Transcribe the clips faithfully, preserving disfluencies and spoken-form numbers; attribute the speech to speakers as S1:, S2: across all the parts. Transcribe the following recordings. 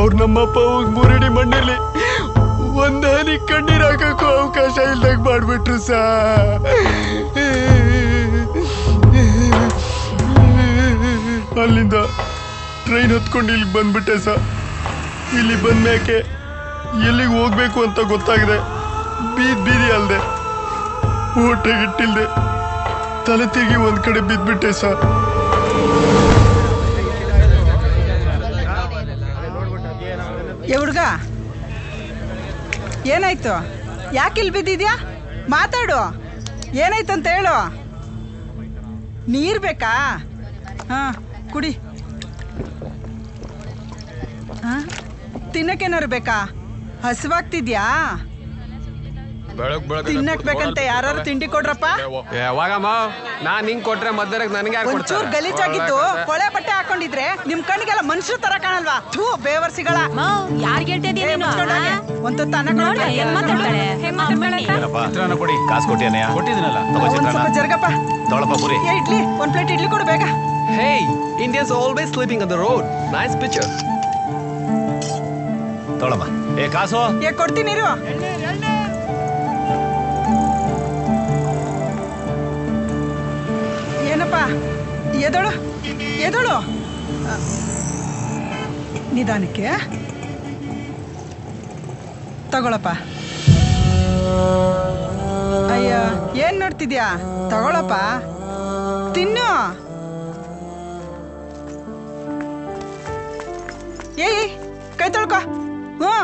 S1: ಅವ್ರ ನಮ್ಮಪ್ಪ ಹೋಗಿ ಮೂರಡಿ ಮಣ್ಣಲ್ಲಿ ಒಂದ್ ಹನಿ ಕಣ್ಣೀರ್ ಹಾಕಕ್ಕೂ ಅವಕಾಶ ಇಲ್ದಾಗ ಮಾಡ್ಬಿಟ್ರು ಸಾ. ಅಲ್ಲಿಂದ ಟ್ರೈನ್ ಹತ್ಕೊಂಡು ಇಲ್ಲಿಗೆ ಬಂದ್ಬಿಟ್ಟೆ ಸಾ. ಇಲ್ಲಿ ಬಂದ್ಮ್ಯಾಕೆ ಎಲ್ಲಿಗೆ ಹೋಗ್ಬೇಕು ಅಂತ ಗೊತ್ತಾಗಿದೆ. ಬೀದ್ ಬೀದಿ ಅಲ್ದೆ ಊಟಗಿಟ್ಟಿಲ್ದೆ ತಲೆ ತಿರುಗಿ ಒಂದ್ ಕಡೆ ಬಿದ್ಬಿಟ್ಟೆ ಸಾ.
S2: ಹುಡ್ಗ ಏನಾಯ್ತು? ಯಾಕೆ ಇಲ್ಲಿ ಬಿದ್ದಿದ್ಯಾ? ಮಾತಾಡು, ಏನಾಯ್ತಂತ ಹೇಳು. ನೀರ್ ಬೇಕಾ? ಹಾ ಕುಡಿ. ಹಾ ತಿನ್ನಕ್ಕೇನಾರು ಬೇಕಾ? ಹಸಿವಾಗ್ತಿದ್ಯಾ? ತಿನ್ನಕ್ ಬೇಕಂತ ಯಾರು ತಿಂಡಿ ಕೊಡ್ರಪ್ಪ.
S3: ಯಾವಾಗಮ್ಮ ನಾನ್ ಹಿಂಗ್ ಕೊಟ್ರೆ ಮಧ್ಯಾಹ್ನಕ್ಕೆ ನನಗೆ
S2: ಒಂಚೂರು ಗಲೀಜಾಗಿದ್ದು ಕೊಳೆ ಬಟ್ಟೆ ಹಾಕೊಂಡಿದ್ರೆ ನಿಮ್ ಕಣ್ಣಿಗೆಲ್ಲ ಮನುಷ್ಯರು ತರ ಕಾಣಲ್ವಾ? ಥೂ ಬೇವರ್ಸಿಗಳ. ಒಂದು ಜರ್ಗಪ್ಪ ಇಡ್ಲಿ ಒಂದ್ ಪ್ಲೇಟ್ ಇಡ್ಲಿ ಕೊಡು ಬೇಗ.
S3: Hey Indians always sleeping on the road. Nice picture.
S4: ತೊಳಮ್ಮ. ಏ ಕಾಸು
S2: ಏ ಕೊಡ್ತೀನಿ ಇರು. ಏನಪ್ಪ ಎದಳು ಎದಳು ನಿಧಾನಕ್ಕೆ ತಗೊಳಪ್ಪ. ಅಯ್ಯ ಏನ್ ನೋಡ್ತಿದ್ಯಾ? ತಗೊಳಪ್ಪ ತಿನ್ನು. ಏಯ್ ಕೈ ತೊಳ್ಕೊ. ಹ್ಞೂ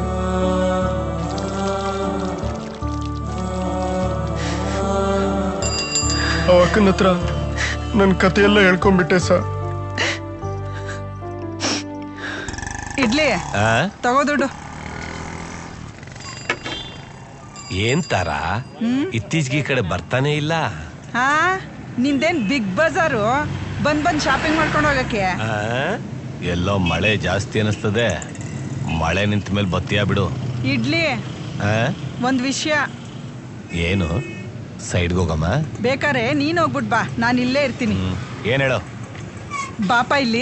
S1: ಅವಕ್ಕನ ಹತ್ರ ನನ್ನ ಕಥೆಯೆಲ್ಲ ಹೇಳ್ಕೊಂಡ್ಬಿಟ್ಟೆ ಸಾ.
S2: ಇಡ್ಲಿ ತಗೋ ದುಡ್ಡು.
S4: ಏನ್ ತರ ಇತ್ತೀಚೆಗೆ ಈ ಕಡೆ ಬರ್ತಾನೆ ಇಲ್ಲ?
S2: ಹಾ ನಿಂದೇನ್ ಬಿಗ್ ಬಜಾರು ಬಂದ್ ಬಂದ್ ಶಾಪಿಂಗ್ ಮಾಡ್ಕೊಂಡು ಹೋಗಕ್ಕೆ?
S4: ಎಲ್ಲೋ ಮಳೆ ಜಾಸ್ತಿ ಅನಿಸ್ತದೆ. ಮಳೆ ನಿಂತ ಮೇಲೆ ಬತ್ತಿಯಾ ಬಿಡು.
S2: ಇಡ್ಲಿ ಒಂದ್ ವಿಷಯ.
S4: ಏನು? ಸೈಡ್ಗೆ ಹೋಗಮ್ಮ.
S2: ಬೇಕಾರೆ ನೀನ್ ಹೋಗ್ಬಿಟ್ ಬಾ, ನಾನು ಇಲ್ಲೇ ಇರ್ತೀನಿ.
S4: ಏನ್ ಹೇಳು?
S2: ಬಾಪ ಇಲ್ಲಿ.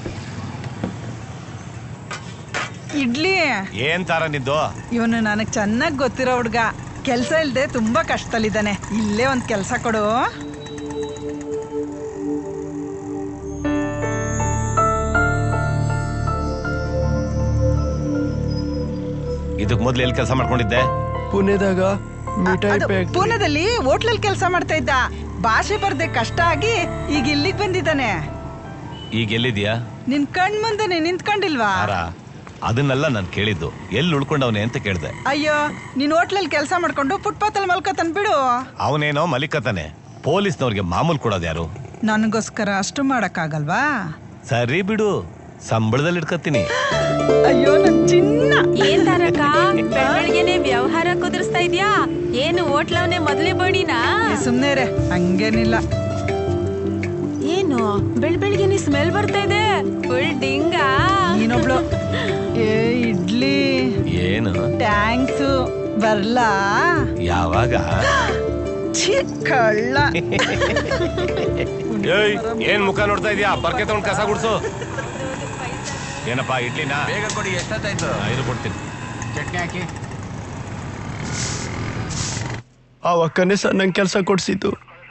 S2: ಇಡ್ಲಿ
S4: ಏನ್ ತರ ನಿದ್ದು?
S2: ಇವನು ನನಗ್ ಚೆನ್ನಾಗ್ ಗೊತ್ತಿರೋ ಹುಡ್ಗ. ಕೆಲ್ಸ ಇಲ್ದೆ ತುಂಬಾ ಕಷ್ಟದಲ್ಲಿದ್ದಾನೆ. ಇಲ್ಲೇ ಒಂದ್ ಕೆಲ್ಸ ಕೊಡು.
S4: ಇದಕ್ ಮೊದ್ಲು ಎಲ್ಲಿ ಕೆಲಸ ಮಾಡ್ಕೊಂಡಿದ್ದೆ?
S1: ಪುಣೆದಾಗ
S2: ಪೂನಾದಲ್ಲಿ ಹೋಟ್ಲಲ್ಲಿ ಕೆಲಸ ಮಾಡ್ತಾ ಇದ್ದ. ಭಾಷೆ ಬರ್ದೆ ಕಷ್ಟ ಆಗಿ ಈಗ ಇಲ್ಲಿಗೆ ಬಂದಿದ್ದಾನೆ.
S4: ಈಗ ಎಲ್ಲಿದ್ಯಾ?
S2: ನಿನ್ ಕಣ್ ಮುಂದೆನೆ ನಿಂತ್ಕೊಂಡಿಲ್ವಾ?
S4: ಅದನ್ನೆಲ್ಲ ನಾನು ಕೇಳಿದ್ದು. ಎಲ್ಲಿ ಉಳ್ಕೊಂಡವನೆ ಅಂತ ಕೇಳ್ದೆ.
S2: ಅಯ್ಯೋ ನೀನ್ ಹೋಟ್ಲಲ್ಲಿ ಕೆಲಸ ಮಾಡ್ಕೊಂಡು ಫುಟ್ಪಾತ್ ಅಲ್ಲಿ ಮಲ್ಕತನ್ ಬಿಡು.
S4: ಅವನೇನೋ ಮಲಿಕತಾನೆ. ಪೊಲೀಸ್ನವ್ರಿಗೆ ಮಾಮೂಲ್ ಕೊಡೋದು ಯಾರು?
S2: ನನಗೋಸ್ಕರ ಅಷ್ಟು ಮಾಡಕ್ ಆಗಲ್ವಾ?
S4: ಸರಿ ಬಿಡು, ಸಂಬಳದಲ್ಲಿ ಇಟ್ಕತ್ತೀನಿ.
S2: ಅಯ್ಯೋ ನನ್ ಚಿನ್ನ.
S5: ಏನ್ ತಾರಕ ಬೆಳಗ್ಗೆನೆ ವ್ಯವಹಾರ ಕುದುರಿಸ್ತಾ ಇದ್ಯಾ? ಏನು ಹೋಟ್ಲವನೇ ಮೊದಲೇ ಬಡಿನಾ?
S2: ಸುಮ್ನೆ ರೇ, ಹಂಗೇನಿಲ್ಲ.
S5: ಏನು ಬೆಳ್ ಬೆಳಗ್ಗೆನೆ ಸ್ಮೆಲ್ ಬರ್ತಾ ಇದೆ? ಫುಲ್ ಡಿಂಗ.
S2: ನೀನೊಬ್ಳು. ಏ ಇಡ್ಲಿ.
S4: ಏನು?
S2: ಟ್ಯಾಂಕ್ಸ್. ಬರ್ಲಾ?
S4: ಯಾವಾಗ?
S2: ಕಳ್ಳ.
S4: ಏನ್ ಮುಖ ನೋಡ್ತಾ ಇದೀಯಾ? ಬರ್ಕೆ ತಗೊಂಡ್ ಕಸ ಗುಡ್ಸು. ಏನಪ್ಪಾ ಇಡ್ಲಿನ ಬೇಗ ಕೊಡಿ. ಎಷ್ಟೊತ್ತಾಯ್ತು? ಐದು ಕೊಡ್ತೀನಿ. ಚಟ್ನಿ ಹಾಕಿ.
S1: ಅವಕ್ಕನೆ ಸರ್ ನಂಗೆ ಕೆಲಸ ಕೊಡ್ಸಿದ್ದು.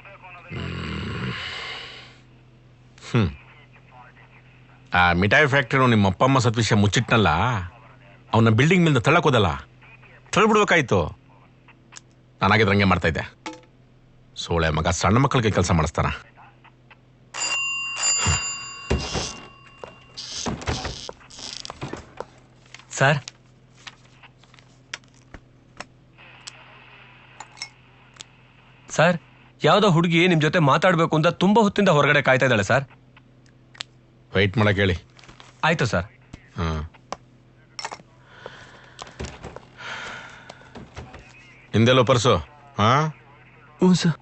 S6: ಹ್ಮ್ ಆ ಮಿಠಾಯಿ ಫ್ಯಾಕ್ಟ್ರಿ ನಿಮ್ಮ ಅಪ್ಪ ಅಮ್ಮ ಸತ್ ವಿಷಯ ಮುಚ್ಚಿಟ್ನಲ್ಲ, ಅವನ ಬಿಲ್ಡಿಂಗ್ ಮೇಲಿಂದ ತಳ್ಳಕೋದಲ್ಲ, ತಳ್ಬಿಡ್ಬೇಕಾಯ್ತು. ನಾನಾಗಿದ್ರೆ ಹಂಗೆ ಮಾಡ್ತಾ ಇದ್ದೆ. ಸೋಳೆ ಮಗ ಸಣ್ಣ ಮಕ್ಕಳಿಗೆ ಕೆಲಸ ಮಾಡಿಸ್ತಾನ.
S3: ಸರ್ ಸರ್ ಯಾವ್ದೋ ಹುಡುಗಿ ನಿಮ್ ಜೊತೆ ಮಾತಾಡ್ಬೇಕು ಅಂತ ತುಂಬಾ ಹೊತ್ತಿಂದ ಹೊರಗಡೆ ಕಾಯ್ತಾ ಇದ್ದಾಳೆ ಸರ್.
S6: ವೆಯ್ಟ್ ಮಾಡಕ್ ಹೇಳಿ.
S3: ಆಯ್ತು ಸರ್.
S6: ಹಾ ಹಿಂದೆಲ್ಲೋ ಪರ್ಸು. ಹಾ
S1: ಹ್ಞೂ ಸರ್.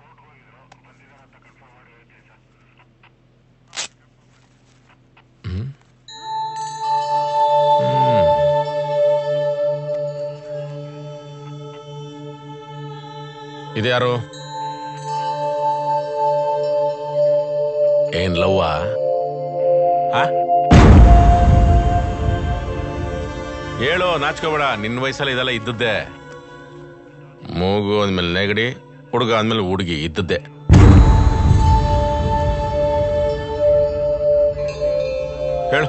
S6: ಇದ್ಯಾರು? ಏನ್ ಲವ್ವಾ? ಹೇಳು, ನಾಚ್ಕೋಬೇಡ. ನಿನ್ನ ವಯಸ್ಸಲ್ಲಿ ಇದೆಲ್ಲ ಇದ್ದದ್ದೇ. ಮೂಗು ಅಂದ್ಮೇಲೆ ನೆಗಡಿ, ಹುಡುಗ ಅಂದ್ಮೇಲೆ ಹುಡುಗಿ ಇದ್ದದ್ದೇ. ಹೇಳು.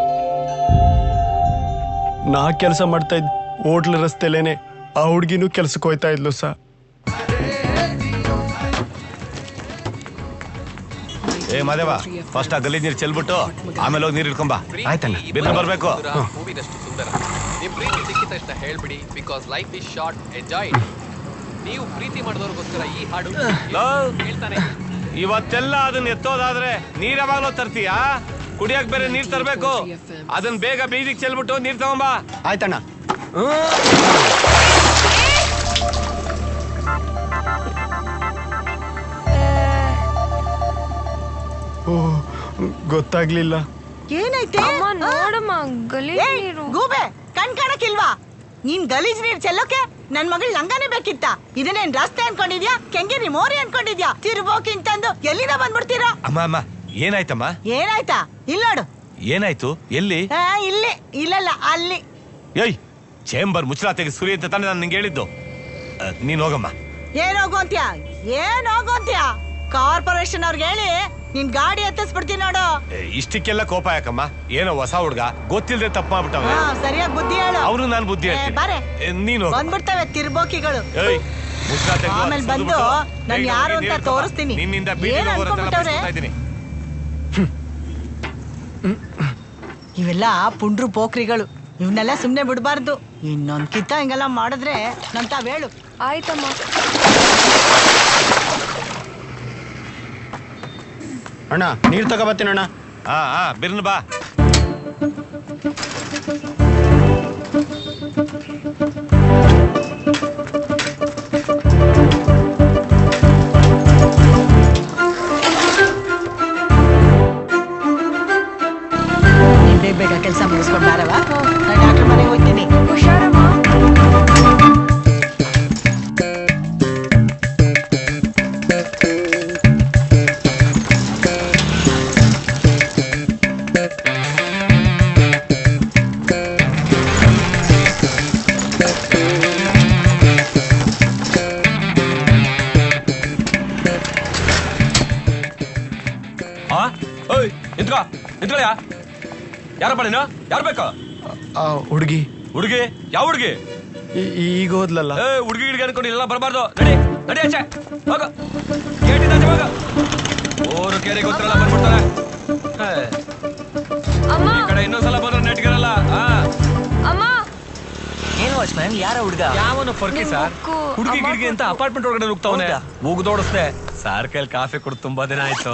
S1: ನಾ ಕೆಲಸ ಮಾಡ್ತಾ ಇದ್ ಹೋಟ್ಲ್ ರಸ್ತೆಲೇನೆ ಆ ಹುಡ್ಗಿನೂ ಕೆಲ್ಸಕ್ಕೆ ಹೋಯ್ತಾ ಇದ್ಲು ಸರ್.
S4: ಏ ಮಾದೇವ, ಫಸ್ಟ್ ಆ ಗಲೀಜ್ ನೀರು ಚೆಲ್ಬಿಟ್ಟು ಆಮೇಲೆ ಹೋಗಿ ನೀರು ಇಟ್ಕೊಂಬ. ಆಯ್ತಣ್ಣ, ಬಿರ್ನ ಬರ್ಬೇಕು.
S7: ಹೂವಿನಷ್ಟು ಸುಂದರ. ನಿಮ್ ಪ್ರೀತಿ ಸಿಕ್ಕಿದ ತಕ್ಷಣ ಹೇಳ್ಬಿಡಿ, because life is short, enjoy. ನೀವು ಪ್ರೀತಿ ಮಾಡಿದವ್ರಿಗೋಸ್ಕರ ಈ ಹಾಡು ಹೇಳ್ತಾನೆ.
S4: ಇವತ್ತೆಲ್ಲ ಅದನ್ನ ಎತ್ತೋದಾದ್ರೆ ನೀರ್ ಯಾವಾಗ್ಲೋ ತರ್ತೀಯಾ? ಕುಡಿಯಕ್ ಬೇರೆ ನೀರ್ ತರ್ಬೇಕು. ಅದನ್ನ ಬೇಗ ಬೀದಿಗೆ ಚೆಲ್ಬಿಟ್ಟು ನೀರ್ ತಗೊಂಬ.
S1: ಆಯ್ತಣ್ಣ. ಓ, ಗೊತ್ತಾಗ್ಲಿಲ್ಲ.
S2: ಏನೈತೆ
S5: ಅಮ್ಮ ನೋಡಮ್ಮ ಗಲೀಜ್
S2: ಏಯ್,
S5: ನೀರು.
S2: ಗೂಬೆ ಕಣ್ ಕಾಣಕ್ಕಿಲ್ವಾ? ನೀನ್ ಗಲೀಜ್ ನೀರ್ ಚೆಲ್ಲೋಕೆ ನನ್ ಮಗಳ್ ಲಂಗಾನೇ ಬೇಕಿತ್ತ? ಇದನ್ನೇನ್ ರಸ್ತೆ ಅನ್ಕೊಂಡಿದ್ಯಾ? ಕೆಂಗೇರಿ ಮೋರಿ ಅನ್ಕೊಂಡಿದ್ಯಾ? ತಿರ್ಬೋಕಿಂತಂದು ಎಲ್ಲಿಂದ ಬಂದ್ಬಿಡ್ತೀರಾ?
S4: ಅಮ್ಮ ಅಮ್ಮ, ಏನಾಯ್ತಮ್ಮ?
S2: ಏನಾಯ್ತಾ? ಇಲ್ಲ ನೋಡು.
S4: ಏನಾಯ್ತು? ಎಲ್ಲಿ?
S2: ಆ, ಇಲ್ಲಿ ಇಲ್ಲಲ್ಲ ಅಲ್ಲಿ.
S4: ಏಯ್, ಚೇಂಬರ್ ಮುಚ್ಚಳ ತೆಗಿ ಸುರಿ ಅಂತ ತಾನೆ ನಾನು ನಿಂಗೆ ಹೇಳಿದ್ದು. ಆ, ನೀನ್ ಹೋಗಮ್ಮ.
S2: ಏನ್ ಹೋಗೋಂತ್ಯಾ? ಏನ್ ಹೋಗೋಂತ್ಯಾ? ಕಾರ್ಪೊರೇಷನ್ ಅವ್ರಿಗೆ ಹೇಳಿ ನಿನ್ ಗಾಡಿ ಎತ್ತಿಸ್ಬಿಡ್ತೀನಿ ನೋಡು.
S4: ಏ, ಇಷ್ಟಕ್ಕೆಲ್ಲ ಕೋಪ ಯಾಕಮ್ಮ? ಏನೋ ಹೊಸ ಹುಡ್ಗ ಗೊತ್ತಿಲ್ಲದೆ ತಪ್ಪು ಮಾಡ್ಬಿಟ್ಟವ.
S2: ಹಾ, ಸರಿಯಾಗಿ ಬುದ್ಧಿ ಹೇಳು.
S4: ಅವ್ರು ನಾನು ಬುದ್ಧಿ
S2: ಏ,
S4: ಹೇಳ್ತೀನಿ.
S2: ಬಾರೆ.
S4: ಏ, ನೀನು ಹೋಗು.
S2: ಬಂದ್ಬಿಡ್ತವೆ ತಿರ್ಬೋಕಿಗಳು.
S4: ಏಯ್, ಮುಚ್ಚಳ ತೆಗ್ದು
S2: ಆಮೇಲೆ
S4: ಸುರ್ದು
S2: ಬಂದು
S4: ಬಿಟ್ಟು
S2: ನಾನ್
S4: ಬೇಗ
S2: ಯಾರು
S4: ಹೋಗಿ
S2: ಅಂತ
S4: ನೀರ್ ತಗೊಂಬಾ.
S2: ತೋರಿಸ್ತೀನಿ.
S4: ನಿನ್ನಿಂದ
S2: ಏನ್
S4: ಬೀದಿಗೆ ಹೋಗೋರೆಲ್ಲ
S2: ಅನ್ಕೊಂಡ್ಬಿಟ್ಟವ್ರೆ?
S4: ಬಸ್ಕೊತಾ ಇದ್ದೀನಿ.
S2: ಇವೆಲ್ಲ ಪುಂಡ್ರು ಪೋಖ್ರಿಗಳು. ಇವನ್ನೆಲ್ಲ ಸುಮ್ನೆ ಬಿಡಬಾರ್ದು. ಇನ್ನೊಂದ್ ಕಿತ್ತ ಹಿಂಗೆಲ್ಲ ಮಾಡಿದ್ರೆ ನಮ್ ತಾವ್ ಹೇಳು.
S5: ಆಯ್ತಮ್ಮ.
S1: ಅಣ್ಣ, ನೀರ್ ತಗೋಬತ್ತೀನಿ ಅಣ್ಣ.
S4: ಹಾ ಹಾ, ಬಿರ್ನ ಬಾ.
S2: ನೀನ್ ಬೇಗ ಬೇಗ ಕೆಲಸ ಮುಗಿಸ್ಕೊಂಡ್ ಬಾರವ. ನಾನು ಡಾಕ್ಟರ್ ಮನೆಗೆ ಹೋಗ್ತೀನಿ.
S5: ಹುಷಾರಮ್ಮ.
S3: ಆ ಓಯ್, ನಿಂತ್ಕೋ ನಿಂತ್ಕೊಳ್ಳ್ಯಾ. ಯಾರಪ್ಪ ನೀನು? ಯಾರು ಬೇಕು?
S1: ಆ ಹುಡ್ಗಿ
S3: ಹುಡುಗಿ? ಯಾವ ಹುಡುಗಿ?
S1: ಈ- ಈಗ ಹೋದ್ಲಲ್ಲ.
S3: ಏ, ಹುಡುಗಿ ಗಿಡ್ಗಿ ಅನ್ಕೊಂಡು ಇಲ್ಲ ಬರಬಾರ್ದು. ನಡಿ ನಡಿ ಆಚೆ ಹೋಗು. ಗೇಟಿಂದ ಆಚೆ ಹೋಗು. ಊರು ಕೇರಿ ಗೊತ್ತಿರಲ್ಲ ಬಂದ್ಬಿಡ್ತಾರೆ. ಏ,
S5: ಅಮ್ಮ
S3: ಈ ಕಡೆ ಇನ್ನೊಂದ್ಸಲ ಬಂದ್ರೆ ನೆಟ್ಗಿರಲ್ಲ. ಹಾ,
S5: ಅಮ್ಮ.
S8: ಏನು ವಾಚ್ಮ್ಯಾನ್, ಯಾರ ಹುಡುಗ?
S3: ಯಾವನು ಫರ್ಕಿ
S5: ನಿಮ್
S3: ಸರ್?
S5: ಬುಕ್ಕು,
S3: ಹುಡುಗಿ
S5: ಅಮ್ಮ
S3: ಗಿಡ್ಗಿ ಅಂತ
S5: ಬುಕ್ಕು.
S3: ಅಪಾರ್ಟ್ಮೆಂಟ್ ಒಳಗಡೆ ನುಗ್ತಾವನೆ.
S8: ಹೌದಾ?
S3: ಮುಗ್ದೋಡಿಸ್ದೆ. ಸಾರ್ ಕೈಲಿ ಕಾಫಿ ಕುಡ್ದು ತುಂಬಾ ದಿನ ಆಯ್ತು.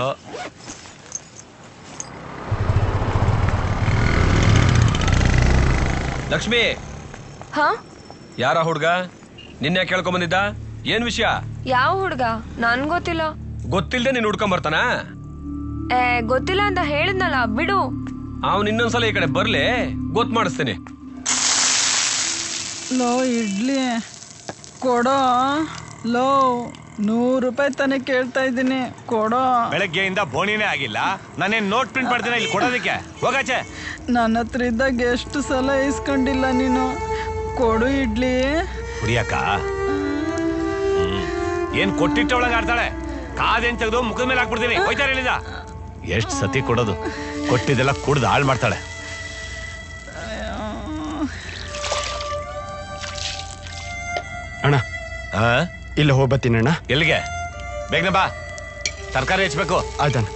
S3: ಲಕ್ಷ್ಮಿ,
S5: ಹಾ,
S3: ಯಾರ ಹುಡ್ಗ? ನಿನ್ನೆ ಕೇಳ್ಕೊಂಡ್ ಬಂದಿದ್ದ? ಏನ್ ವಿಷಯ?
S5: ಯಾವ ಹುಡ್ಗ? ನನ್ ಗೊತ್ತಿಲ್ಲ.
S3: ಗೊತ್ತಿಲ್ದೆ ನೀನ್ ಹುಡ್ಕೊಂಡ್ ಬರ್ತಾನ?
S5: ಏ, ಗೊತ್ತಿಲ್ಲ ಅಂತ ಹೇಳಿದ್ನಲ್ಲ, ಬಿಡು.
S3: ಅವ್ನು ಇನ್ನೊಂದ್ಸಲ ಈ ಕಡೆ ಬರ್ಲಿ, ಗೊತ್ತು ಮಾಡಿಸ್ತೀನಿ.
S2: ಲೋ ಇಡ್ಲಿ ಕೊಡೋ. ಲೋ ನೂರು ರೂಪಾಯಿ ತಾನೇ ಕೇಳ್ತಾ ಇದ್ದೀನಿ, ಕೊಡೋ.
S4: ಬೆಳಗ್ಗೆಯಿಂದ ಬೋಣಿನೇ ಆಗಿಲ್ಲ. ನಾನೇನ್ ನೋಟ್ ಪ್ರಿಂಟ್ ಮಾಡ್ತೀನಿ ಇಲ್ಲಿ ಕೊಡೋದಕ್ಕೆ? ಹೋಗಾಚೆ.
S2: ನನ್ನ ಹತ್ರ ಇದ್ದಾಗ ಎಷ್ಟು ಸಲ ಇಸ್ಕೊಂಡಿಲ್ಲ ನೀನು. ಕೊಡು ಇಡ್ಲಿ.
S4: ಕುಡಿಯಕ್ಕ ಏನ್ ಕೊಟ್ಟಿಟ್ಟವಳಂಗ ಆಡ್ತಾಳೆ. ಕಾದೇನ್ ತೆಗೆದು ಮುಖದ ಮೇಲೆ ಹಾಕ್ಬಿಡ್ತೀನಿ. ಹೋಯ್ತಾರೆ ಹೇಳಿದ. ಎಷ್ಟ್ ಸತಿ ಕೊಡೋದು? ಕೊಟ್ಟಿದ್ದೆಲ್ಲ ಕುಡ್ದು ಹಾಳು ಮಾಡ್ತಾಳೆ.
S1: ಅಣ್ಣ,
S4: ಹಾ,
S1: ಇಲ್ಲ ಹೋಗ್ಬತ್ತೀನಿ ಅಣ್ಣ.
S4: ಎಲ್ಲಿಗೆ? ಬೇಗನೆ ಬಾ, ತರಕಾರಿ ಹೆಚ್ಚಬೇಕು.
S1: ಆಯ್ತಣ್ಣ.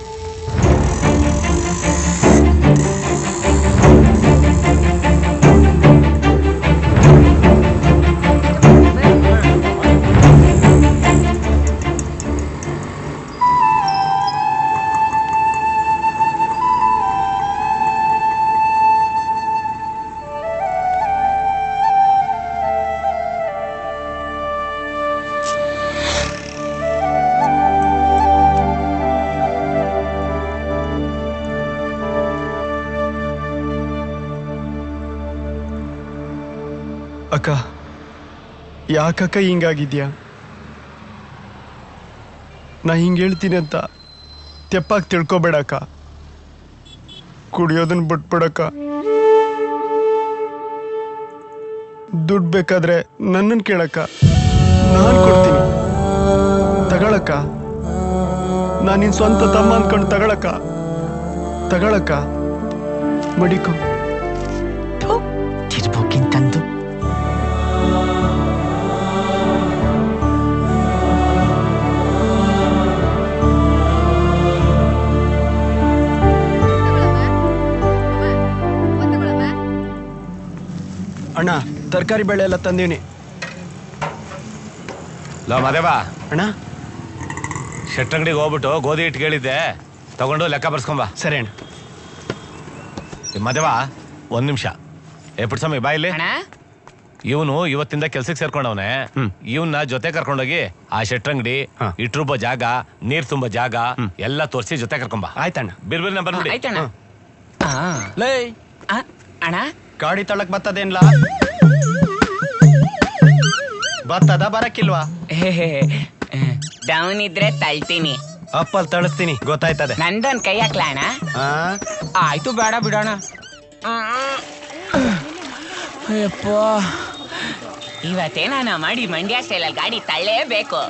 S1: ಅಕ್ಕ, ಯಾಕಕ್ಕ ಹಿಂಗಾಗಿದ್ಯಾ? ನಾ ಹಿಂಗೆ ಹೇಳ್ತೀನಿ ಅಂತ ತೆಪ್ಪಾಗಿ ತಿಳ್ಕೊಬೇಡಕ್ಕ. ಕುಡಿಯೋದನ್ನ ಬಿಟ್ಬಿಡಕ್ಕ. ದುಡ್ಡು ಬೇಕಾದ್ರೆ ನನ್ನನ್ನು ಕೇಳಕ್ಕ, ನಾನು ಕೊಡ್ತೀನಿ. ತಗೊಳಕ್ಕ, ನಾನು ನಿನ್ ಸ್ವಂತ ತಮ್ಮ ಅನ್ಕೊಂಡು ತಗೊಳಕ್ಕ ತಗೊಳಕ್ಕ ಮಡಿಕೋ.
S2: ತಿರ್ಬೋಕಿಂತಂದು
S1: ಅಣ್ಣ ತರಕಾರಿ ಬೆಳೆ ಎಲ್ಲ ತಂದೀನಿ.
S4: ಲೋ ಮದೇವಾ,
S1: ಅಣ್ಣ
S4: ಶೆಟ್ಟಂಗಡಿಗೆ ಹೋಗ್ಬಿಟ್ಟು ಗೋಧಿ ಹಿಟ್ಟು ಕೇಳಿದ್ದೆ, ತಗೊಂಡು ಲೆಕ್ಕ ಬರ್ಸ್ಕೊಂಬ.
S1: ಸರಿ ಅಣ್ಣ.
S4: ಮದೇವಾ ಒಂದ್ ನಿಮಿಷ. ಏ ಪುಟ್ಸಮ್ಮಿ ಬಾಯಿಲಿ. ಇವನು ಇವತ್ತಿಂದ ಕೆಲ್ಸಕ್ಕೆ ಸೇರ್ಕೊಂಡವನೆ. ಇವನ್ನ ಜೊತೆ ಕರ್ಕೊಂಡೋಗಿ ಆ ಶೆಟ್ಟಂಗಡಿ, ಇಟ್ರುಬ್ಬ ಜಾಗ, ನೀರ್ ತುಂಬ ಜಾಗ ಎಲ್ಲ ತೋರಿಸಿ ಜೊತೆ ಕರ್ಕೊಂಬ.
S1: ಆಯ್ತಣ್ಣ.
S4: ಬಿರ್ಬಿರ್ ನಂಬರ್ ನೋಡಿ.
S1: ಲೇ
S8: ಅಣ್ಣ,
S1: ಗಾಡಿ ತಳಕ್ ಬರ್ತದೇನ್ಲಾ? ಬರ್ತದ ಬರಕ್ಕಿಲ್ವಾ?
S8: ಡೌನ್ ಇದ್ರೆ ತಳ್ತೀನಿ,
S1: ಅಪ್ಪಲ್ ತಳಿಸ್ತೀನಿ, ಗೊತ್ತಾಯ್ತದೆ.
S8: ನಂದೊಂದ್ ಕೈ ಹಾಕ್ಲ ಅಣ್ಣ? ಆಯ್ತು, ಬೇಡ ಬಿಡೋಣ. ಇವತ್ತೇನ ಮಾಡಿ ಮಂಡ್ಯ ಸ್ಟೈಲಲ್ಲಿ ಗಾಡಿ ತಳ್ಳೇಬೇಕು.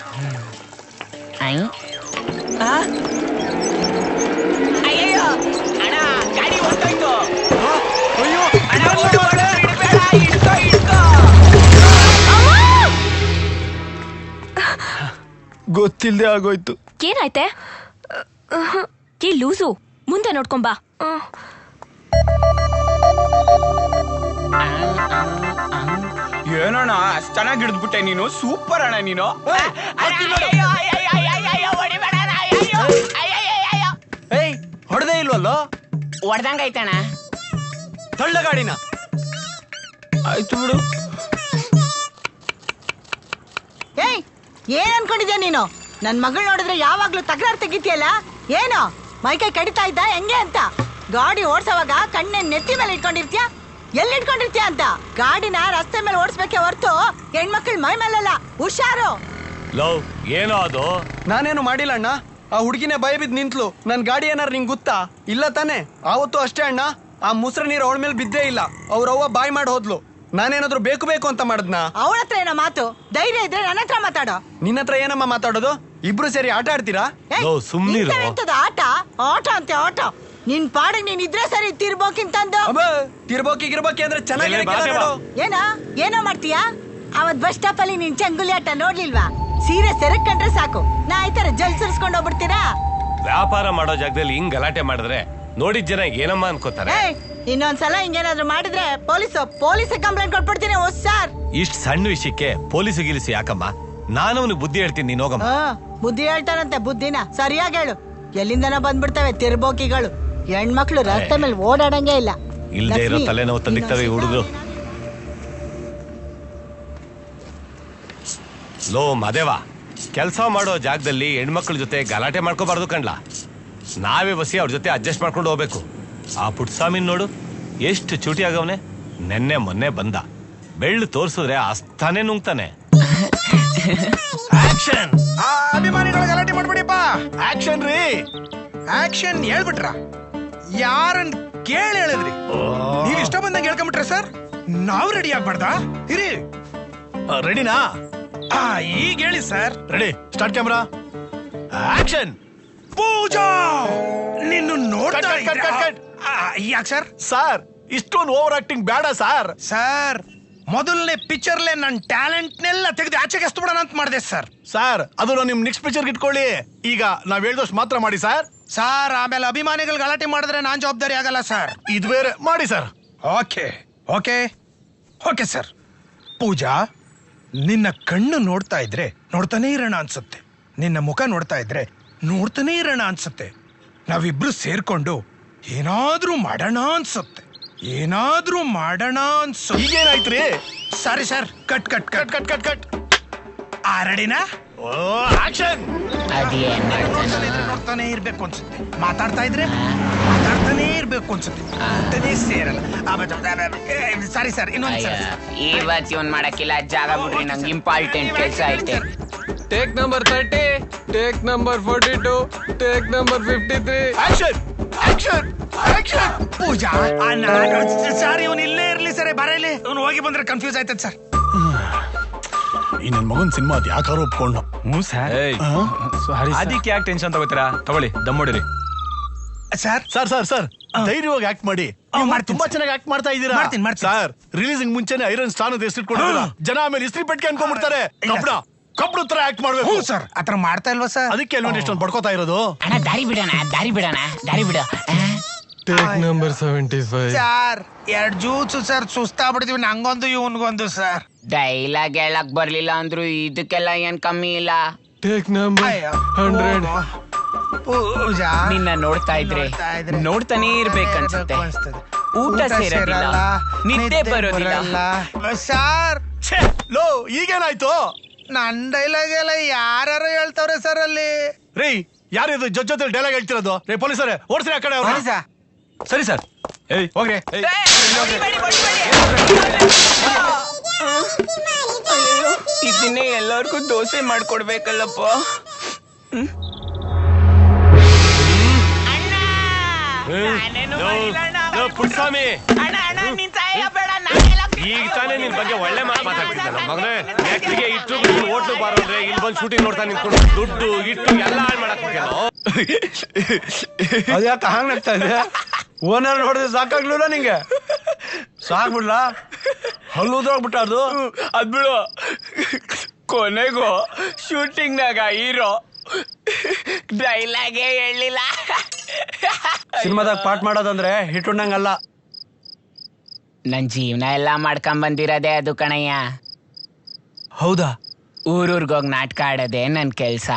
S8: ಅಯ್ಯೋ ಅಣ್ಣ, ಗಾಡಿ ಹೊಂಟೋಯ್ತು. ಅಣ್ಣ, ಓಡು, ಓಡು, ಇಡ್ಬೇಡ, ಇಡ್ಕೋ, ಇಡ್ಕೋ.
S1: ಗೊತ್ತಿಲ್ದೆ ಆಗೋಯ್ತು.
S9: ಏನಾಯ್ತೆ? ಏ ಲೂಸು, ಮುಂದೆ ನೋಡ್ಕೊಂಬಾ.
S3: ಏನಣ್ಣ ಅಷ್ಟ್ ಚೆನ್ನಾಗಿ ಹಿಡಿದ್ಬಿಟ್ಟೆ ನೀನು. ಸೂಪರ್ ಅಣ್ಣ ನೀನು.
S1: ಏಯ್ ಹೊಡೆದೇ ಇಲ್ವಲ್ಲೋ?
S8: ಹೊಡ್ದಂಗಾಯ್ತಣ್ಣ.
S1: ತಳ್ಳ ಗಾಡಿನ.
S3: ಆಯ್ತು ಬಿಡು.
S2: ಏಯ್ ಏನ್ ಅನ್ಕೊಂಡಿದ್ಯಾ ನೀನು? ನನ್ ಮಗಳ್ ನೋಡಿದ್ರೆ ಯಾವಾಗ್ಲೂ ತಕರಾರು ತೆಗಿತಿಯಲ್ಲ, ಏನು ಮೈಕೈ ಕಡಿತಾ ಇದ್ದ ಹೆಂಗೆ ಅಂತ? ಗಾಡಿ ಓಡ್ಸೋವಾಗ ಕಣ್ಣೆ ನೆತ್ತಿ ಮೇಲೆ ಇಟ್ಕೊಂಡಿರ್ತೀಯ, ಎಲ್ಲಿ ಇಟ್ಕೊಂಡಿರ್ತೀಯ ಅಂತ? ಗಾಡಿನ ರಸ್ತೆ ಮೇಲೆ ಓಡಿಸ್ಬೇಕೆ ಹೊರ್ತು ಹೆಣ್ಮಕ್ಳ ಮೈ ಮೇಲಲ್ಲ. ಹುಷಾರು.
S4: ಲವ್ ಏನೋ ಅದು?
S1: ನಾನೇನು ಮಾಡಿಲ್ಲ ಅಣ್ಣ. ಆ ಹುಡುಗಿನೇ ಭಯ ಬಿದ್ದು ನಿಂತ್ಲು. ನನ್ ಗಾಡಿ ಏನಾರು ನಿಂಗೆ ಗೊತ್ತಾ? ಇಲ್ಲ ತಾನೆ? ಆವತ್ತು ಅಷ್ಟೇ ಅಣ್ಣ, ಆ ಮುಸ್ರ ನೀರು ಅವಳ ಮೇಲೆ ಬಿದ್ದೇ ಇಲ್ಲ. ಅವ್ರವ್ವ ಬಾಯ್ ಮಾಡಿ ಹೋದ್ಲು. ನಾನೇನಾದ್ರು ಬೇಕು ಬೇಕು ಅಂತ ಮಾಡದ್ನ?
S2: ಅವಳ ಹತ್ರ ಏನೋ ಮಾತು. ಧೈರ್ಯ ಇದ್ರೆ ನನ್ನ ಹತ್ರ ಮಾತಾಡೋ.
S1: ನಿನ್ನ ಹತ್ರ ಏನಮ್ಮ ಮಾತಾಡೋದು? ಇಬ್ರು ಸೇರಿ ಆಟ ಆಡ್ತೀರಾ?
S2: ಏಯ್,
S4: ಲೋ, ಸುಮ್ನಿರು.
S2: ನಿಂತವೆಂತದು ಆಟ? ಆಟ ಅಂತೆ ಆಟ. ನಿನ್ ಪಾಡಿಗೆ ನೀನ್ ಇದ್ರೆ ಸರಿ, ತಿರ್ಬೋಕಿಂತಂದು.
S1: ಅಬ್ಬ ತಿರ್ಬೋಕಿ ಗಿರ್ಬೋಕಿ ಅಂದ್ರೆ ಚೆನ್ನಾಗಿ
S4: ಬಾ, ಬಾ, ಬಾ.
S2: ಏನೋ ಏನೋ ಮಾಡ್ತೀಯಾ? ಅವತ್ ಬಸ್ ಸ್ಟಾಪ್ ಅಲ್ಲಿ ನಿನ್ ಚಂಗುಲಿ ಆಟ ನೋಡ್ಲಿಲ್ವಾ? ಸೀರೆ ಸೆರಕ್ ಕಂಡ್ರೆ ಸಾಕು, ನಾ ಈ ತರ ಜಲ್ ಸುರಿಸ್ಕೊಂಡು ಹೋಗ್ಬಿಡ್ತೀರಾ?
S4: ವ್ಯಾಪಾರ ಮಾಡೋ ಜಾಗದಲ್ಲಿ ಹಿಂಗ್ ಗಲಾಟೆ ಮಾಡಿದ್ರೆ ನೋಡಿದ ಜನ ಏನಮ್ಮ ಅನ್ಕೋತಾರೆ.
S2: ಏಯ್, ಇನ್ನೊಂದ್ಸಲ ಹಿಂಗೇನಾದ್ರು ಮಾಡಿದ್ರೆ ಪೊಲೀಸ್ ಪೊಲೀಸ್ ಕಂಪ್ಲೇಂಟ್ ಕೊಟ್ಬಿಡ್ತೀನಿ. ಓ ಸರ್,
S4: ಇಷ್ಟ್ ಸಣ್ಣ ವಿಷಯಕ್ಕೆ ಪೊಲೀಸ್ ಗಿಲಿಸಿ ಯಾಕಮ್ಮ? ನಾನು ಅವನಿಗೆ ಬುದ್ಧಿ ಹೇಳ್ತೀನಿ, ನೀನ್ ಹೋಗಮ್ಮ.
S2: ಆ, ಬುದ್ಧಿ ಹೇಳ್ತಾರಂತೆ. ಬುದ್ಧಿನ ಸರಿಯಾಗಿ ಹೇಳು. ಎಲ್ಲಿಂದನ ಬಂದ್ಬಿಡ್ತವೆ ತಿರ್ಬೋಕಿಗಳು. ಹೆಣ್ಮಕ್ಳು ರಸ್ತೆ ಮೇಲೆ ಓಡಾಡಂಗೆ ಇಲ್ಲ.
S4: ಇಲ್ದೇ ಇರೋ
S2: ಲಕ್ಷ್ಮಿ,
S4: ತಲೆನೋವು ತಂದಿಕ್ತವೆ ಈ ಹುಡುಗರು. ಲೋ ಮದೇವಾ, ಕೆಲಸ ಮಾಡೋ ಜಾಗದಲ್ಲಿ ಹೆಣ್ಮಕ್ಳ ಜೊತೆ ಗಲಾಟೆ ಮಾಡ್ಕೋಬಾರ್ದು ಕಣ್ಲಾ. ನಾವೇ ಬಸಿ ಅವ್ರ ಜೊತೆ ಅಡ್ಜಸ್ಟ್ ಮಾಡ್ಕೊಂಡು ಹೋಗ್ಬೇಕು. ಆ ಪುಟ್ಸ್ವಾಮಿನ್ ನೋಡು, ಎಷ್ಟು ಚೂಟಿ ಆಗವನೆ. ನೆನ್ನೆ ಮೊನ್ನೆ ಬಂದ, ಬೆಳ್ಳು ತೋರ್ಸಿದ್ರೆ ಅಸ್ತಾನೆ ನುಂಗ್ತಾನೆ.
S10: ಆಕ್ಷನ್! ಅಭಿಮಾನಿಗಳ ಗಲಾಟೆ ಮಾಡ್ಬಿಡಿಪ್ಪ. ಆಕ್ಷನ್ ರೀ, ಆಕ್ಷನ್ ಹೇಳ್ಬಿಟ್ರ? ಯಾರನ್ ಕೇಳಿ ಹೇಳಿದ್ರಿ? ನೀವ್ ಇಷ್ಟ ಬಂದಂಗೆ ಹೇಳ್ಕೊಂಬಿಟ್ರೆ ಸರ್, ನಾವು ರೆಡಿ ಆಗ್ಬಾರ್ದ? ಇರಿ,
S1: ರೆಡಿನಾ?
S10: ಈಗ ಹೇಳಿ sir.
S1: Ready, start camera, action!
S10: Pooja, ನಿನ್ನ ನೋಡ್ತಾ ಯಾಕೆ ಸರ್?
S1: ಸರ್, ಇಷ್ಟೊಂದು ಓವರ್ ಆಕ್ಟಿಂಗ್ ಬೇಡ ಸರ್.
S10: ಸರ್, ಮೊದಲನೇ ಪಿಕ್ಚರ್ಲೆ ನನ್ನ ಟ್ಯಾಲೆಂಟ್ನೆಲ್ಲ ತೆಗೆದು ಆಚೆಗೆ ಎಸ್ಬಿಡೋಣ ಅಂತ ಮಾಡಿದೆ ಸರ್.
S1: ಸರ್, ಅದು ನಿಮ್ ನೆಕ್ಸ್ಟ್ ಪಿಕ್ಚರ್ ಇಟ್ಕೊಳ್ಳಿ. ಈಗ ನಾವ್ ಹೇಳ್ದಷ್ಟು ಮಾತ್ರ ಮಾಡಿ ಸರ್.
S10: ಸರ್, ಆಮೇಲೆ ಅಭಿಮಾನಿಗಳು ಗಲಾಟೆ ಮಾಡಿದ್ರೆ ನಾನ್ ಜವಾಬ್ದಾರಿ ಆಗಲ್ಲ ಸರ್.
S1: ಇದು ಬೇರೆ ಮಾಡಿ sir.
S10: Okay okay okay sir. Pooja, ನಿನ್ನ ಕಣ್ಣು ನೋಡ್ತಾ ಇದ್ರೆ ನೋಡ್ತಾನೆ ಇರೋಣ ಅನ್ಸುತ್ತೆ. ನಿನ್ನ ಮುಖ ನೋಡ್ತಾ ಇದ್ರೆ ನೋಡ್ತಾನೆ ಇರೋಣ ಅನ್ಸುತ್ತೆ. ನಾವಿಬ್ರು ಸೇರ್ಕೊಂಡು ಏನಾದ್ರೂ ಮಾಡೋಣ ಅನ್ಸುತ್ತೆ. ಏನಾದ್ರೂ ಮಾಡೋಣ ಅನ್ಸುತ್ತೆ.
S1: ಈಗೇನಾಯ್ತ್ರಿ?
S10: Sorry sir, cut cut cut cut cut cut ಆ ರೆಡಿನಾ?
S1: ಆಕ್ಷನ್!
S10: ನೋಡ್ತಾನೆ ಇರ್ಬೇಕು ಅನ್ಸುತ್ತೆ. ಮಾತಾಡ್ತಾ ಇದ್ರೆ ಮಾತಾಡ್ತಾನೆ ಇರ್ಬೇಕು ಅನ್ಸುತ್ತೆ. ಅಂತಾನೆ ಸೇರಲ್ಲ. ಸಾರಿ ಸರ್, ಇನ್ನೊಂದು ಸರ್.
S8: ಇವತ್ತು ಇವನ್ ಮಾಡಕ್ಕಿಲ್ಲ, ಜಾಗ ಬಿಡ್ರಿ, ನಂಗೆ ಇಂಪಾರ್ಟೆಂಟ್ ಕೆಲಸ ಐತೆ.
S7: Take number thirty, take number forty two, take number fifty three.
S1: Action! Action! Action!
S10: Pooja ಆ, ನಾನು ಸರ್ ಇವನು ಇಲ್ಲೇ ಇರ್ಲಿ ಸರ್ ಬರಲಿ ಇವನು ಹೋಗಿ ಬಂದ್ರೆ ಕನ್ಫ್ಯೂಸ್ ಆಯ್ತದ ಸರ್.
S11: ಈ ನನ್ ಮಗನ್ ಸಿನಿಮಾ ಅದ್ ಯಾಕಾರು ಒಪ್ಕೊಂಡು.
S10: ಹ್ಞೂ ಸರ್.
S3: ಸಾರಿ ಅದಕ್ಕೆ ಯಾಕೆ ಟೆನ್ಷನ್ ತಗೋತೀರಾ? ತಗೊಳ್ಳಿ ದಮ್ಮೊಡಿರಿ.
S10: ಸರ್
S11: ಸರ್ ಸರ್ ಸರ್ ಧೈರ್ಯವಾಗಿ ಆಕ್ಟ್ ಮಾಡಿ.
S10: ಹ್ಮ್, ಮಾಡ್ತೀನಿ
S11: ತುಂಬಾ
S10: ಸರ್.
S11: ಚೆನ್ನಾಗಿ ಆಕ್ಟ್ ಮಾಡ್ತಾ ಇದ್ದೀರಾ.
S10: ಮಾಡ್ತೀನಿ, ಮಾಡ್ತೀನಿ.
S11: ಸರ್ ರಿಲೀಸಿಂಗ್ ಮುಂಚೆನೆ ಐರನ್ ಸ್ಥಾನದ ಹೆಸರಿಟ್ಕೊಂಡಿದ್ದೀರಾ. ಜನ ಆಮೇಲೆ ಇಸ್ತ್ರಿ ಪೆಟ್ಟಿಗೆ ಅನ್ಕೊಂಡ್ಬಿಡ್ತಾರೆ. ಕಬ್ಬಣ ಕಬ್ಬಣ ತರ ಆಕ್ಟ್ ಮಾಡ್ಬೇಕು.
S10: ಹ್ಞೂ ಸರ್ ಆತರ ಮಾಡ್ತಾ ಇಲ್ವಾ ಸರ್?
S11: ಅದಕ್ಕೆ ಅಲ್ವಾ ಇಷ್ಟೊಂದು ಬಡ್ಕೋತಾ ಇರೋದು.
S8: ಅಣ್ಣ ದಾರಿ ಬಿಡೋಣ ದಾರಿ ಬಿಡೋಣ ದಾರಿ ಬಿಡು
S1: take number seventy five.
S10: Sir ಎರಡ್ ಜ್ಯೂಸ್ ಸರ್ ಸುಸ್ತಾಗ್ಬಿಡ್ತೀವಿ ನಂಗೊಂದು ಇವನ್ಗೊಂದು ಸರ್.
S8: ಡೈಲಾಗ್ ಹೇಳಕ್ ಬರ್ಲಿಲ್ಲ ಅಂದ್ರು ಇದಕ್ಕೆಲ್ಲ ಏನ್ ಕಮ್ಮಿ ಇಲ್ಲ.
S1: Take number hundred.
S10: ಪೂಜಾ
S8: ನಿನ್ನ ನೋಡ್ತಾ ಇದ್ರೆ ನೋಡ್ತಾನೆ ಇರ್ಬೇಕನ್ಸುತ್ತೆ. ಊಟ ಸೇರೋದಿಲ್ಲ, ನಿದ್ದೆ ಬರೋದಿಲ್ಲ.
S10: ಸರ್
S11: ಲೋ ಈಗೇನಾಯ್ತು?
S10: ನನ್ ಡೈಲಾಗ್ ಎಲ್ಲ ಯಾರು ಹೇಳ್ತಾವ್ರೆ ಸರ್ ಅಲ್ಲಿ.
S11: ರೀ ಯಾರಿದು ಜೊತೆ ಜೊತೆ ಡೈಲಾಗ್ ಹೇಳ್ತಿರೋದು? ರೇ ಪೊಲೀಸರೇ ಓಡಿಸ್ರಿ ಆ ಕಡೆ ಅವ್ರನ್ನ.
S3: ಸರಿ ಸರ್. ಏಯ್ ಹೋಗ್ರಿ. ಏಯ್,
S8: ಇದನ್ನೇ ಎಲ್ಲರಿಗೂ ದೋಸೆ ಮಾಡ್ಕೊಡ್ಬೇಕಲ್ಲಪ್ಪ.
S4: ಪುಟ್ಸ್ವಾಮಿ ಈಗ ತಾನೇ ನಿನ್ ಬಗ್ಗೆ ಒಳ್ಳೆ ಮಾತು ಮಾತಾಡ್ತಿದ್ದ ನಮ್ಮ ಮಗನೇ. ನೆಕ್ಸ್ಟ್ಗೆ ಇಟ್ಟು ಹೋಟ್ಲು ಬಾರೋದ್ರೆ ಇಲ್ಲಿ ಬಂದು ಶೂಟಿಂಗ್ ನೋಡ್ತಾ ನಿಂತ್ಕೊಂಡು ದುಡ್ಡು ಇಟ್ಟು ಎಲ್ಲ ಹಾಳು ಮಾಡಕ್
S1: ಅದ್ಯಾಕೆ ಹಂಗ್ ನಗ್ತಾ ಇದೆ? ಓನರ್ ನೋಡಿದ್ರೆ ಸಾಕಾಗ್ಲಿಲ್ಲ ನಿಂಗೆ? ಸಾಕ್ಬಿಡ್ಲ ಹಲ್ಲುದ್ರೋಗ್ಬಿಟ್ಟ ಅದು.
S8: ಅದ್ ಬಿಡು, ಕೊನೆಗೂ ಶೂಟಿಂಗ್ ನಾಗ ಹೀರೋ ಡೈಲಾಗೇ ಹೇಳಿಲ್ಲ.
S1: ಸಿನಿಮಾದಾಗ ಪಾಠ ಮಾಡೋದಂದ್ರೆ ಹಿಟ್ಟುಣ್ಣಂಗಲ್ಲ.
S8: ನನ್ ಜೀವನ ಎಲ್ಲಾ ಮಾಡ್ಕೊಂಡ್ ಬಂದಿರೋದೇ ಅದು ಕಣಯ್ಯ.
S1: ಹೌದಾ?
S8: ಊರೂರ್ಗೋಗಿ ನಾಟಕ ಆಡೋದೇ ನನ್ ಕೆಲ್ಸ.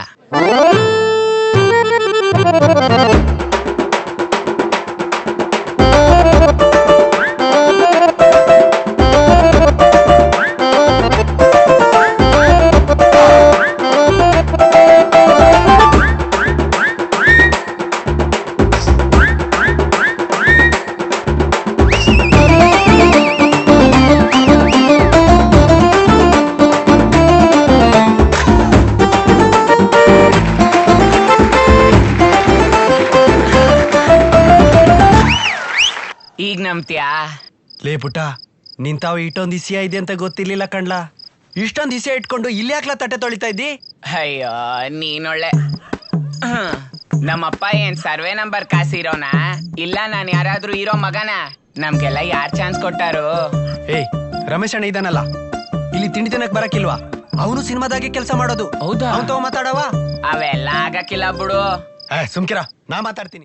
S8: ಈಗ ನಂಬ್ತೀಯಾ?
S1: ಲೇ ಪುಟ್ಟ, ನಿಂತಾವ ಇಷ್ಟೊಂದು ಇಸಿಯ ಇದೆ ಅಂತ ಗೊತ್ತಿರ್ಲಿಲ್ಲ ಕಣ್ಲಾ. ಇಷ್ಟೊಂದು ಇಸಿಯ ಇಟ್ಕೊಂಡು ಇಲ್ಲಿ ಯಾಕ್ಲಾ ತಟ್ಟೆ ತೊಳಿತಾ ಇದ್ದಿ?
S8: ಅಯ್ಯೋ ನೀನೊಳ್ಳೆ. ಹ್ಮ್. ನಮ್ಮಪ್ಪ ಏನ್ ಸರ್ವೆ ನಂಬರ್ ಕಾಸಿರೋನಾ? ಇಲ್ಲ ನಾನ್ ಯಾರಾದ್ರೂ ಇರೋ ಮಗನ? ನಮ್ಗೆಲ್ಲ ಯಾರ್ ಚಾನ್ಸ್ ಕೊಟ್ಟಾರು?
S1: ಏಯ್ ರಮೇಶ್ ಅಣ್ಣ ಇದಾನಲ್ಲ, ಇಲ್ಲಿ ತಿಂಡಿ ತಿನ್ನಕ್ ಬರಕಿಲ್ವಾ? ಅವನು ಸಿನಿಮಾದಾಗೆ ಕೆಲಸ ಮಾಡೋದು.
S8: ಹೌದಾ?
S1: ಅವನ್ ತಗೋ ಮಾತಾಡವಾ?
S8: ಅವೆಲ್ಲ ಆಗಕ್ಕಿಲ್ಲ ಬಿಡು.
S1: ಸುಮ್ಕಿರ, ನಾ ಮಾತಾಡ್ತೀನಿ.